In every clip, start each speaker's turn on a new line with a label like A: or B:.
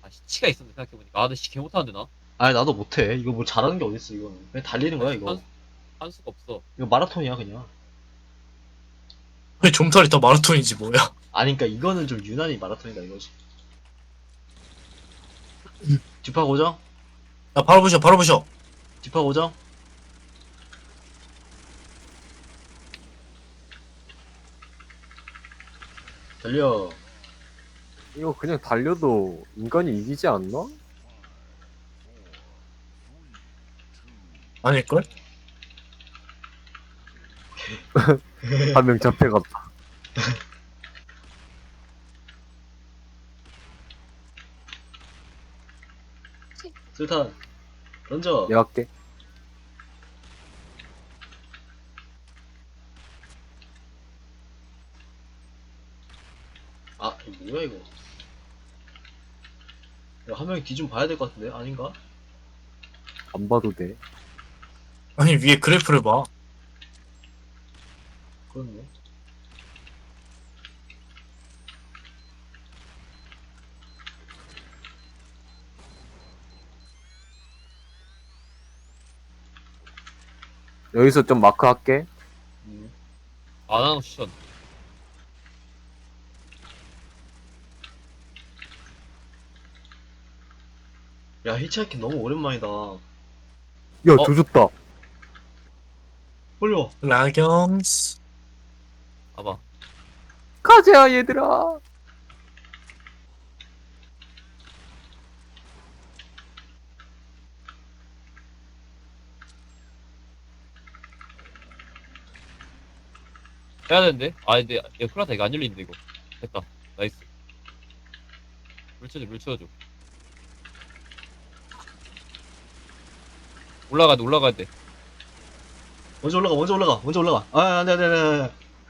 A: 아, 시치가 있었네, 생각해보니까. 아, 근데 시치 개 못하는데, 나?
B: 아니 나도 못해. 이거 뭐 잘하는 게 어딨어 이거는. 그냥 달리는
A: 아,
B: 거야
A: 씨,
B: 이거.
A: 한 수가 없어.
B: 이거 마라톤이야 그냥.
C: 왜 좀털이 더 마라톤이지 뭐야.
B: 아니 그니까 이거는 좀 유난히 마라톤이다 이거지. 뒷파 고정?
C: 야 바로 부셔 바로 부셔.
B: 뒷파 고정? 달려.
D: 이거 그냥 달려도 인간이 이기지 않나?
C: 아닐걸?
D: 한 명 잡혀갔다.
B: 술탄 던져.
D: 내가 할게.
B: 아 이거 뭐야 이거. 이거 한 명이 뒤 좀 봐야 될 것 같은데 아닌가?
D: 안 봐도 돼.
C: 아니 위에 그래프를 봐.
B: 그렇네.
D: 여기서 좀 마크 할게.
B: 음.
A: 안 하는 거 추천.
B: 야 히치하이킹 너무 오랜만이다.
D: 야, 조졌다.
B: 올려.
C: 라경스.
A: 봐봐.
D: 가자, 얘들아.
A: 해야 되는데? 아, 근데, 야, 큰일 났다. 이거 안 열리는데, 이거. 됐다. 나이스. 물 쳐줘, 물 쳐줘. 올라가야 돼, 올라가야 돼.
B: 먼저 올라가 먼저 올라가 먼저 올라가. 아 안돼 안돼 안돼.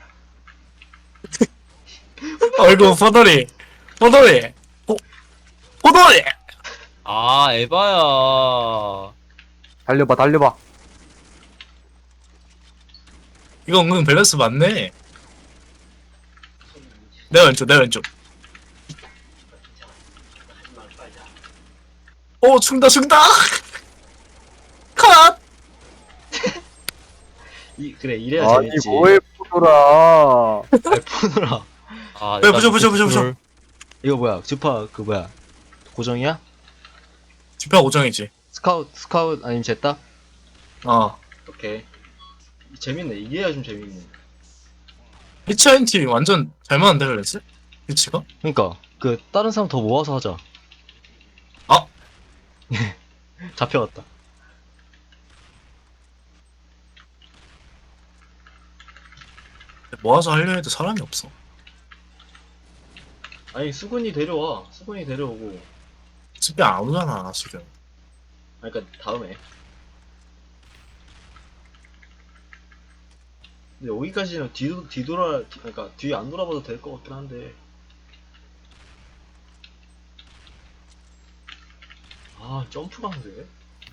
C: 아이고 포도리 포도리 포도리.
A: 아, 에바야.
D: 달려봐, 달려봐.
C: 이거 은근 밸런스 맞네. 내 왼쪽 내 왼쪽. 오 충다 충다. 컷.
B: 이 그래 이래야
D: 아니,
B: 재밌지.
D: 뭐해, 포도라.
B: 아이, 푸느라.
A: 아,
C: 야, 부셔.
B: 이거 뭐야? 주파 그 뭐야? 고정이야?
C: 지표 오정이지.
B: 스카웃 아니면 쟀다?
C: 어.
B: 오케이. 재밌네. 이게야 좀 재밌네.
C: 히치하인티 완전 잘 맞는데 그랬지? 히치가?
B: 그러니까 그 다른 사람 더 모아서 하자.
C: 아
B: 잡혀갔다.
C: 모아서 하려 해도 사람이 없어.
B: 아니 수근이 데려와. 수근이 데려오고.
C: 집에 안 오잖아 지금.
B: 아니 그니까 다음에. 근데 여기까지는 그러니까 뒤 안 돌아봐도 될 것 같긴 한데. 아 점프가 안 돼?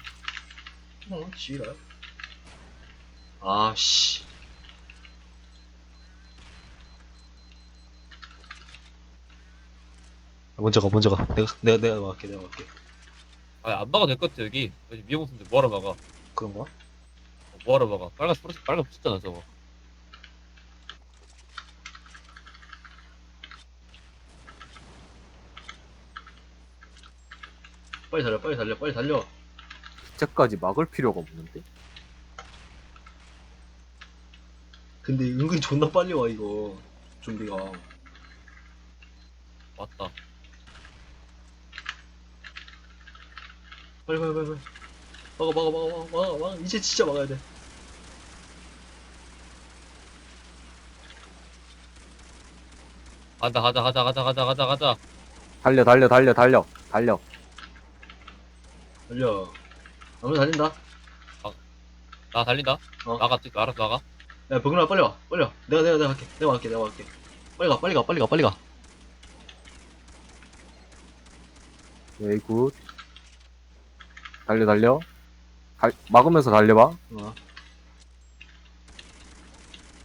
B: 지랄. 아씨. 먼저 가. 내가 막을게.
A: 아, 안 막아도 될 것 같아, 여기. 여기 미용수인데 뭐하러 막아?
B: 그런가?
A: 뭐하러 막아? 빨간 붙였잖아, 저거.
B: 빨리 달려.
D: 진짜까지 막을 필요가 없는데.
B: 근데 은근히 존나 빨리 와, 이거. 좀비가.
A: 맞다.
B: 빨리. 막아. 이제 진짜 막아야 돼.
A: 가자.
D: 달려.
B: 달려. 아무 달린다.
A: 나 달린다.
B: 어.
A: 알아서 나가.
B: 야, 병근아, 빨리 와. 내가 할게. 내가 갈게. 빨리 가.
D: 에이, 굿. 달려. 막으면서 달려봐.
B: 어.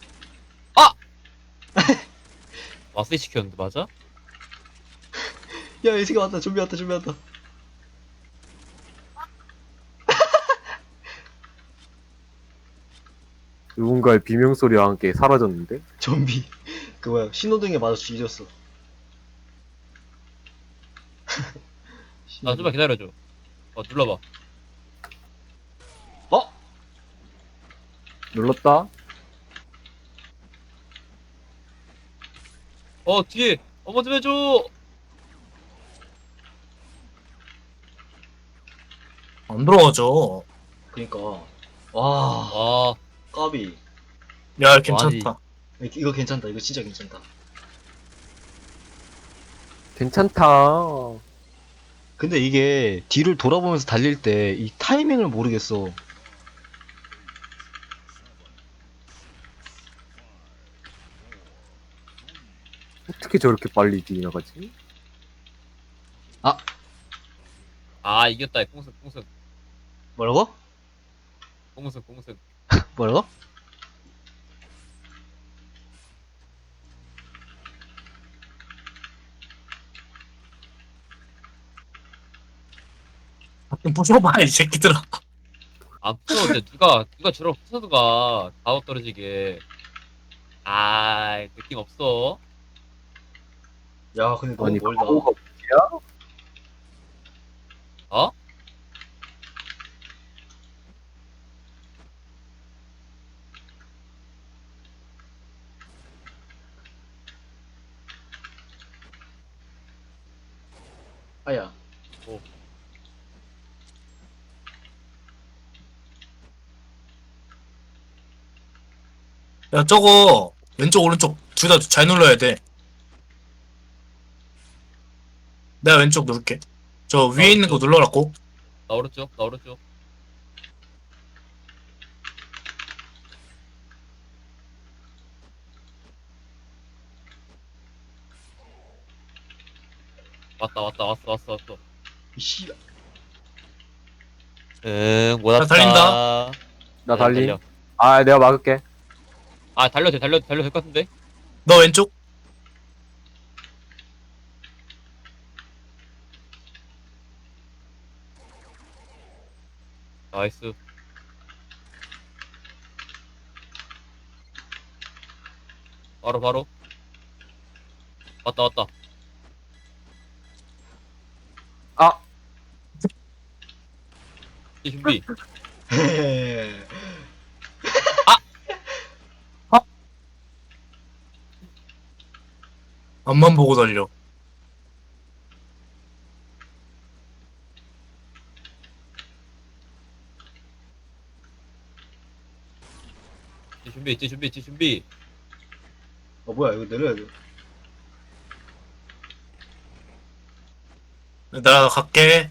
A: 마스터 시켰는데, 맞아?
B: 야, 이 새끼 왔다. 좀비 왔다. 좀비 왔다.
D: 누군가의 비명소리와 함께 사라졌는데?
B: 좀비. 그 뭐야, 신호등에 맞아 뒤졌어.
A: 아, 좀만 기다려줘. 눌러봐.
B: 어?
D: 눌렀다?
A: 뒤에! 뭐 좀 해줘!
C: 안 들어가죠.
B: 그니까. 와,
A: 아,
B: 까비.
C: 야, 괜찮다.
B: 이거 괜찮다. 이거 진짜 괜찮다.
D: 괜찮다.
B: 근데 이게 뒤를 돌아보면서 달릴 때 이 타이밍을 모르겠어.
D: 어떻게 저렇게 빨리 지나가지?
A: 이겼다. 꽁승, 꽁승.
B: 뭐라고?
A: 꽁승, 꽁승.
B: 뭐라고?
C: 좀 부숴봐, 이 새끼들아.
A: 안 부서운데, 누가 저런 부서도가 가오 떨어지게. 느낌 없어.
B: 야, 근데 너무
D: 아니,
B: 멀다.
D: 가오가
A: 어?
B: 아야.
A: 뭐.
C: 야, 저거, 왼쪽, 오른쪽, 둘 다 잘 눌러야 돼. 내가 왼쪽 누를게. 저 위에 있는 거
A: 오른쪽.
C: 눌러놨고.
A: 나 오른쪽, 나 오른쪽. 왔어.
B: 씨.
A: 응, 못
C: 나
A: 왔다.
C: 달린다.
D: 나
A: 네,
D: 달리.
A: 달려.
D: 아, 내가 막을게.
A: 달려도 될 것 같은데?
C: 너 왼쪽.
A: 나이스. 바로. 왔다.
D: 아,
A: 이제 준비.
C: 앞만 보고 달려.
A: 이제 준비.
B: 뭐야, 이거 내려야 돼.
C: 나 갈게.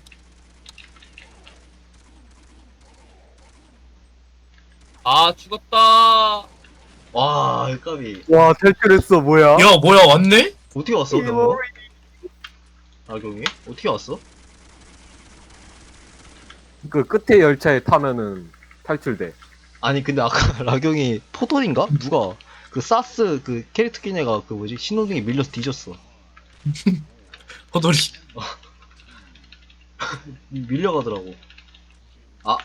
A: 죽었다.
B: 와, 이 까비.
D: 와, 탈출했어, 뭐야?
C: 야, 뭐야, 왔네?
B: 어떻게 왔어, 너? 경이? 어떻게 왔어?
D: 그 끝에 열차에 타면은 탈출돼.
B: 아니, 근데 아까 라경이 포돌인가? 누가? 그 사스 그 캐릭터 낀 애가 그 뭐지? 신호등에 밀려서 뒤졌어.
C: 호돌이.
B: 밀려가더라고. 아,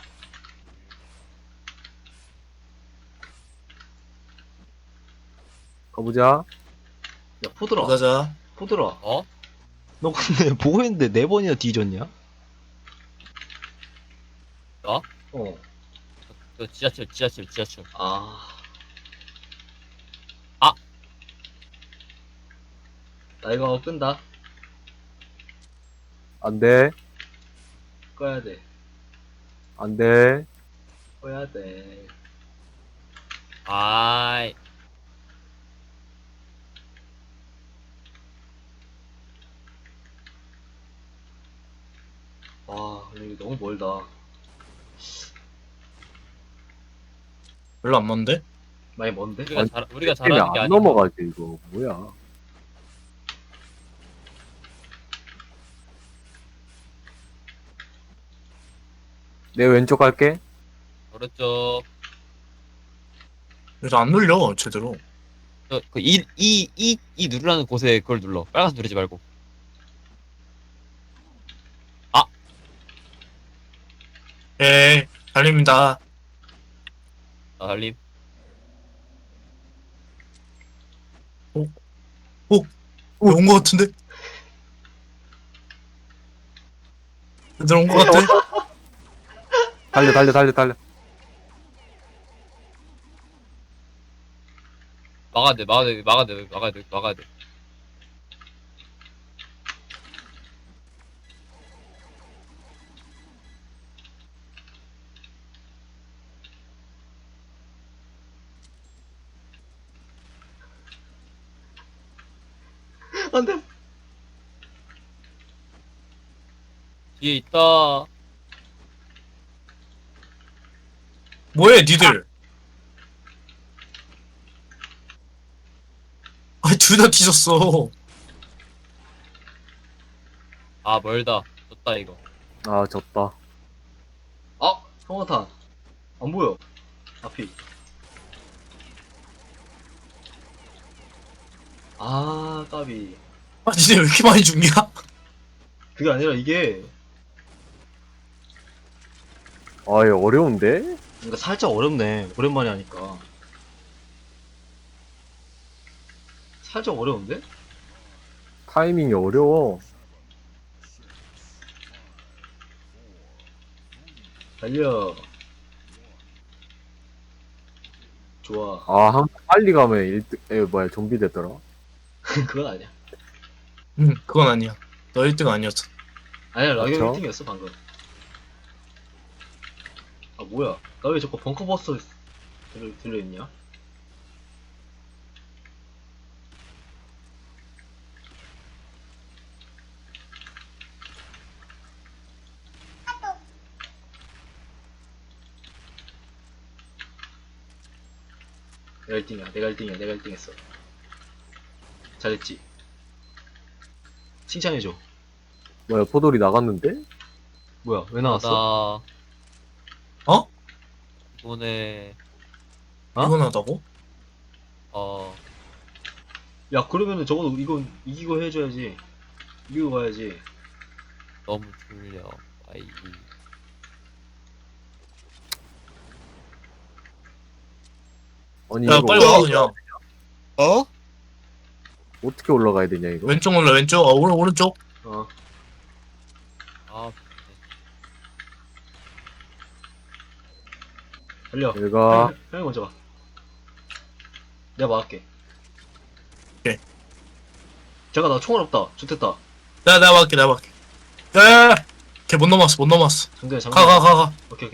D: 가보자.
B: 야, 포돌아.
C: 가자.
B: 포돌아.
A: 어?
B: 너 근데 보고 있는데 4번이나 뒤졌냐?
A: 나?
B: 어.
A: 저 지하철.
B: 아.
A: 아.
B: 나 이거 끈다.
D: 안 돼.
B: 꺼야 돼.
D: 안 돼.
B: 꺼야 돼.
A: 아이.
B: 와, 근데 이거 너무 멀다.
C: 별로 안 먼데?
B: 많이 먼데?
A: 우리가
D: 때문에
A: 잘하는 게
D: 안
A: 아니고.
D: 넘어가지, 이거. 뭐야. 내 왼쪽 갈게.
A: 그렇죠.
C: 그래서 안 눌려, 제대로.
A: 이 누르라는 곳에 그걸 눌러. 빨간색 누르지 말고.
C: 예, 달립니다.
A: 나 달림.
C: 온 거 같은데? 얘들 온 거 같아?
D: 달려.
A: 막아야 돼, 막아야 돼.
B: 안 돼.
A: 뒤에 있다.
C: 뭐해, 니들? 아, 둘 다 뒤졌어.
A: 아, 멀다. 졌다, 이거.
D: 아, 졌다.
B: 아, 성화탄. 안 보여. 앞이. 아, 까비.
C: 아, 니네 왜 이렇게 많이 죽냐?
B: 그게 아니라 이게,
D: 아, 이거 어려운데?
B: 그러니까 살짝 어렵네. 오랜만에 하니까. 살짝 어려운데?
D: 타이밍이 어려워.
B: 달려. 좋아.
D: 아, 한 빨리 가면 1등, 좀비 됐더라.
B: 그건 아니야.
C: 응, 그건 아니야. 너 1등 아니었어.
B: 아니야, 라이언
D: 그렇죠?
B: 1등이었어, 방금. 아, 뭐야. 나 왜 자꾸 벙커버스 들려있냐? 내가 1등이야, 내가 1등 했어. 잘했지? 칭찬해줘.
D: 뭐야, 포돌이 나갔는데?
B: 뭐야, 왜 나왔어?
A: 나,
C: 어?
A: 이번에,
B: 어?
C: 피곤하다고?
B: 야, 그러면은 적어도 이건 이기고 해줘야지. 이기고 가야지.
A: 너무 졸려. 아이.
D: 아니,
C: 야,
D: 이거
C: 빨리 와, 그냥.
A: 어?
D: 어떻게 올라가야 되냐, 이거?
C: 왼쪽 올라, 왼쪽. 오른쪽.
B: 어.
A: 아,
B: 달려.
D: 얘가,
B: 형이 먼저 가. 내가 막을게.
C: 오케이.
B: 잠깐, 나 총알 없다. 좋됐다.
C: 내가 막게. 야! 걔 못 넘었어.
B: 정대 장난.
C: 가.
B: 오케이.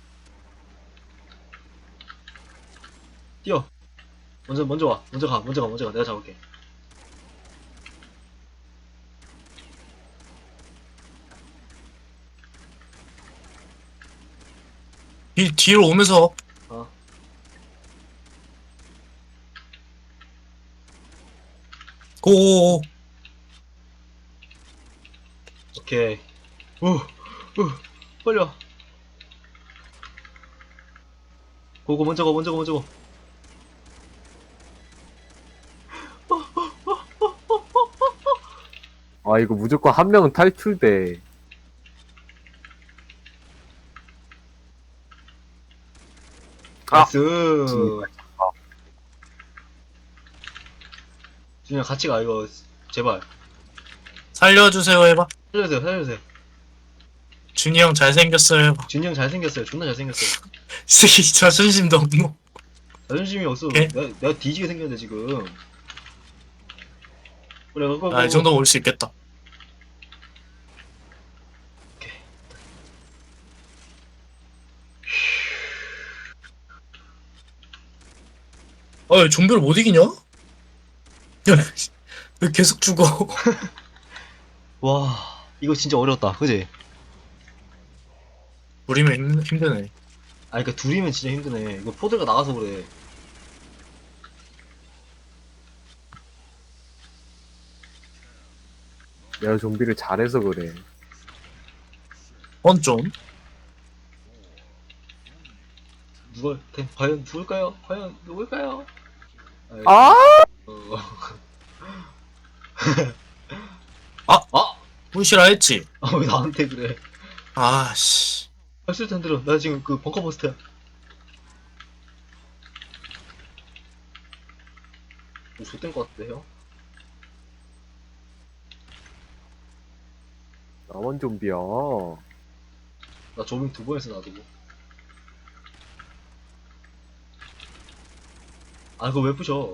B: 뛰어. 먼저 와. 먼저 가. 내가 잡을게.
C: 뒤로 오면서.
B: 어.
C: 고.
B: 오케이. 빨리 와. 고고, 먼저 고.
D: 아, 이거 무조건 한 명은 탈출돼. 아!
B: 나이스.
D: 진짜.
B: 준이야, 같이 가, 이거. 제발.
C: 살려주세요 해봐.
B: 살려주세요.
C: 준이 형 잘생겼어요 해봐.
B: 준이 형 잘생겼어요. 존나 잘생겼어요.
C: 새끼 자존심도 없노.
B: 자존심이 없어.
C: 오케이.
B: 내가 뒤지게 생겼는데, 지금. 그래, 그거.
C: 아, 이 정도면 올 수 있겠다. 아, 좀비를 못 이기냐? 야, 왜 계속 죽어?
B: 와, 이거 진짜 어려웠다. 그지?
C: 우리면 힘드네.
B: 아니, 그니까 둘이면 진짜 힘드네. 이거 포드가 나가서 그래.
D: 내가 좀비를 잘해서 그래.
C: 건 좀.
B: 과연 누굴까요? 아이,
D: 아!
B: 어.
C: 아!
B: 아!
C: 부시라 했지?
B: 왜 나한테 그래?
C: 아씨.
B: 발소리 안 들어. 나 지금 그 벙커버스트야. 뭐 X된 것 같은데 형?
D: 나만 좀비야.
B: 나 조밍 2번 했어 놔두고. 아 그거 왜 부셔?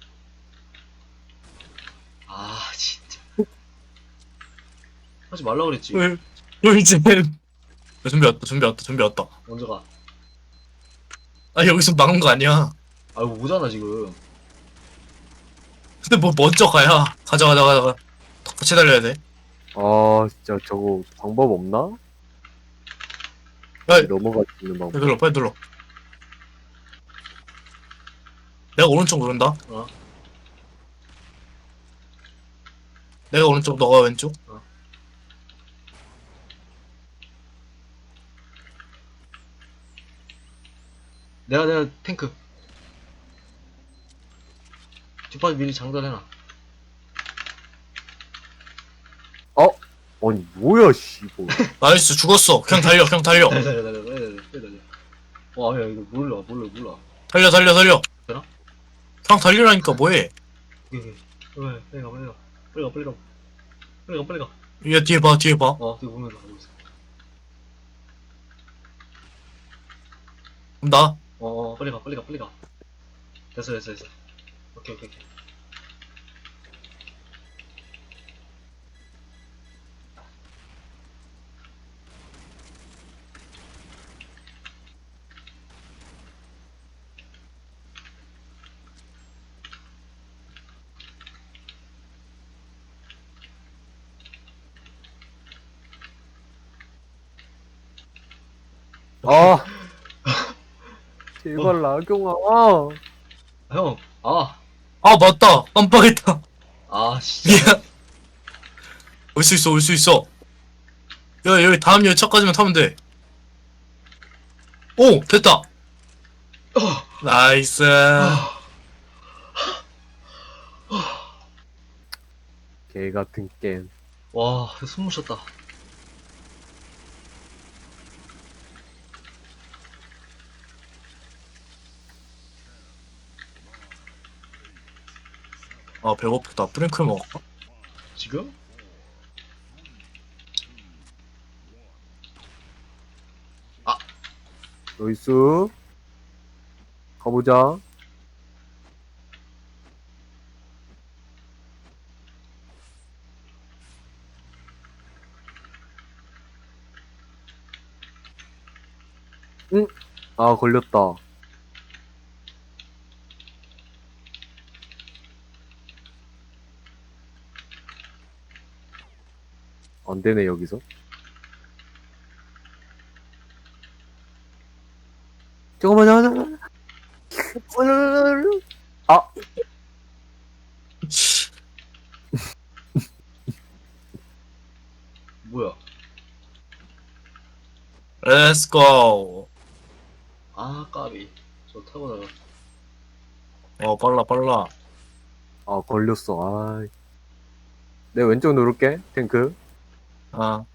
B: 아 진짜 하지 말라 그랬지.
C: 이제 준비 왔다.
B: 먼저 가.
C: 아, 여기서 막은 거 아니야.
B: 아 이거 오잖아 지금.
C: 근데 뭐 먼저 가야. 가자. 같이 달려야 돼.
D: 아, 진짜 저거 방법 없나?
C: 야,
D: 넘어갈 수 있는 방법.
C: 빨리 눌러. 내가 오른쪽 누른다.
B: 어.
C: 내가 오른쪽, 너가 왼쪽.
B: 내가 탱크. 뒷바지 미리 장전해놔.
D: 아니, 뭐야, 씨, 이거.
C: 나이스, 죽었어. 그냥 달려.
B: 달려. 와, 야, 이거 몰라.
C: 달려.
B: 되나?
C: 그냥 달리라니까 뭐해.
B: 빨리 가.
C: 야, 뒤에 봐.
B: 되게 보면서 가고 있어.
C: 그럼 나.
B: 빨리 가. 됐어. 오케이.
D: 아! 제발, 나경아.
B: 형,
C: 아, 맞다. 깜빡했다.
B: 진짜.
C: 미안. 올 수 있어. 야, 여기 다음 열차까지만 타면 돼. 오, 됐다. 나이스.
D: 개 같은 게임.
B: 와, 숨 쉬었다.
C: 아, 배고프다. 프랭클 먹을까?
B: 지금?
D: 나이스. 가보자. 응? 아, 걸렸다. 안 되네, 여기서. 잠깐만. 아,
B: 뭐야?
C: Let's go.
B: 까비. 저 타고 나가.
C: 빨라.
D: 아, 걸렸어. 아. 내 왼쪽 누를게, 탱크.
C: 아,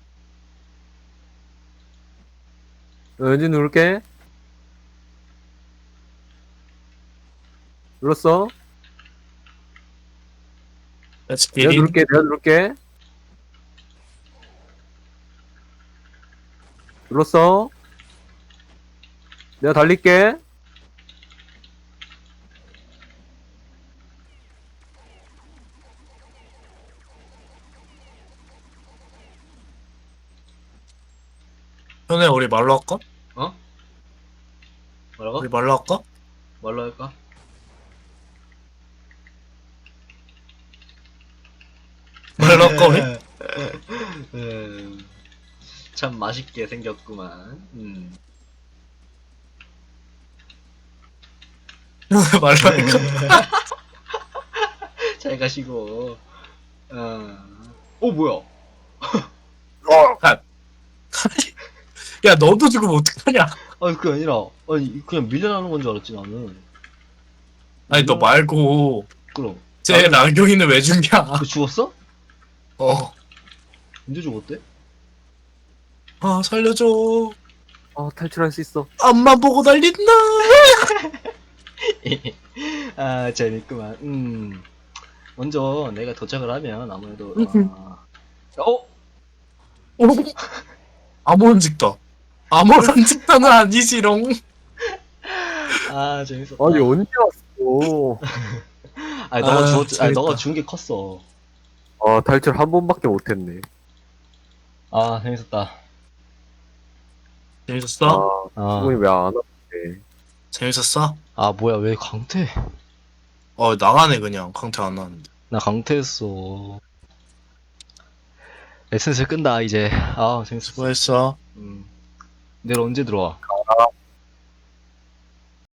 D: 왼쪽 누를게. 눌렀어?
C: let's
D: 내가
C: get it.
D: 누를게. 눌렀어? 내가 달릴게.
C: 현우야, 우리 말로 할까?
B: 뭐라고?
C: 우리 말로 할까?
B: 말로 할까?
C: 말로 할까, 우리?
B: 참 맛있게 생겼구만.
C: 말로 할까?
B: 잘 가시고. 뭐야?
C: 야, 너도 죽으면 어떡하냐?
B: 아니 그게 아니라 그냥 밀려나는 건 줄 알았지 나는.
C: 아니, 너 말고,
B: 그럼
C: 쟤 나경이는 왜 죽냐?
B: 그 죽었어?
C: 어.
B: 언제 죽었대?
C: 아, 살려줘.
D: 탈출할 수 있어.
C: 앞만 보고 달린다.
B: 아, 재밌구만. 먼저 내가 도착을 하면 아무래도,
C: 아무런 직다. 아무런 직다는 아니지롱.
B: 아, 재밌었다.
D: 아니 언제 왔어?
B: 아니, 너가
C: 아,
B: 주웠, 아니, 너가
C: 재밌다.
B: 준 게 컸어.
D: 아 탈출 한 번밖에 못했네.
B: 아, 재밌었다.
C: 재밌었어?
B: 아,
D: 수분이 왜 안 왔대?
C: 재밌었어?
B: 아, 뭐야, 왜 강퇴?
C: 나가네 그냥. 강퇴 안 나왔는데.
B: 나 강퇴했어. 에센스 끈다, 이제. 아, 재밌었어.
C: 수고했어.
B: 내일 언제 들어와?